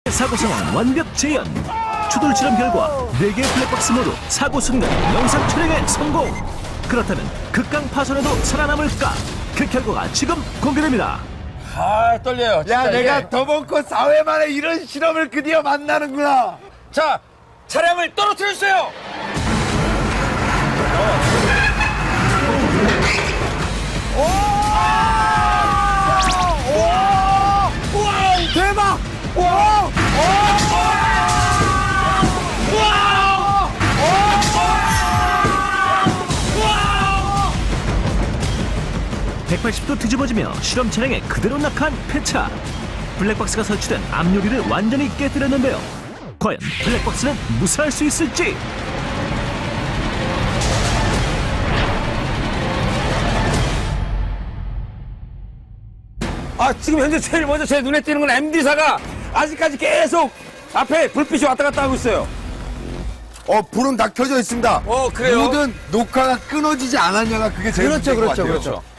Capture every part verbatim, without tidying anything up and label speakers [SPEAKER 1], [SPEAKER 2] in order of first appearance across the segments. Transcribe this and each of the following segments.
[SPEAKER 1] 사고 상황 완벽 재현. 추돌 실험 결과 네 개의 블랙박스 모두 사고 순간 영상 촬영에 성공. 그렇다면 극강 파손에도 살아남을까? 그 결과가 지금 공개됩니다.
[SPEAKER 2] 아, 떨려요.
[SPEAKER 3] 야,
[SPEAKER 2] 진짜
[SPEAKER 3] 내가
[SPEAKER 2] 이게.
[SPEAKER 3] 더벙커 사 회 만에 이런 실험을 드디어 만나는구나.
[SPEAKER 2] 자, 차량을 떨어뜨려 주세요.
[SPEAKER 3] 대박! 와!
[SPEAKER 1] 백팔십 도 뒤집어지며 실험 차량에 그대로 낙한 폐차. 블랙박스가 설치된 앞유리를 완전히 깨뜨렸는데요. 과연 블랙박스는 무사할 수 있을지?
[SPEAKER 2] 아, 지금 현재 제일 먼저 제 눈에 띄는 건 엠디사가 아직까지 계속 앞에 불빛이 왔다 갔다 하고 있어요.
[SPEAKER 3] 어, 불은 다 켜져 있습니다.
[SPEAKER 2] 어, 그래요?
[SPEAKER 3] 모든 녹화가 끊어지지 않았냐가 그게 제일
[SPEAKER 2] 그렇죠,
[SPEAKER 3] 문제인 것
[SPEAKER 2] 그렇죠,
[SPEAKER 3] 같아요.
[SPEAKER 2] 그렇죠.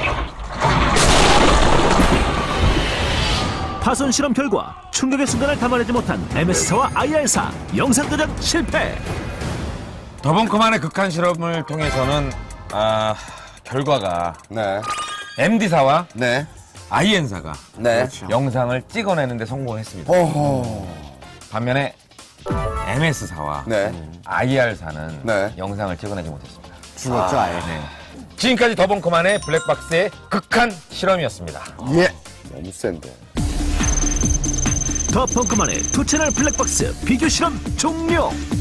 [SPEAKER 1] 파손 실험 결과 충격의 순간을 담아내지 못한 엠에스사와 아이알사 영상 저장 실패.
[SPEAKER 2] 더벙커만의 극한 실험을 통해서는 아, 결과가
[SPEAKER 3] 네.
[SPEAKER 2] 엠디사와
[SPEAKER 3] 네.
[SPEAKER 2] 아이엔사가
[SPEAKER 3] 네.
[SPEAKER 2] 영상을 찍어내는데 성공했습니다.
[SPEAKER 3] 어허.
[SPEAKER 2] 반면에 엠에스사와
[SPEAKER 3] 네.
[SPEAKER 2] 아이알사는
[SPEAKER 3] 네.
[SPEAKER 2] 영상을 찍어내지 못했습니다.
[SPEAKER 3] 죽었죠, 아예.
[SPEAKER 2] 네. 지금까지 더벙커만의 블랙박스의 극한 실험이었습니다.
[SPEAKER 3] 예. 너무 센데.
[SPEAKER 1] 더 펑크만의 두 채널 블랙박스 비교 실험 종료.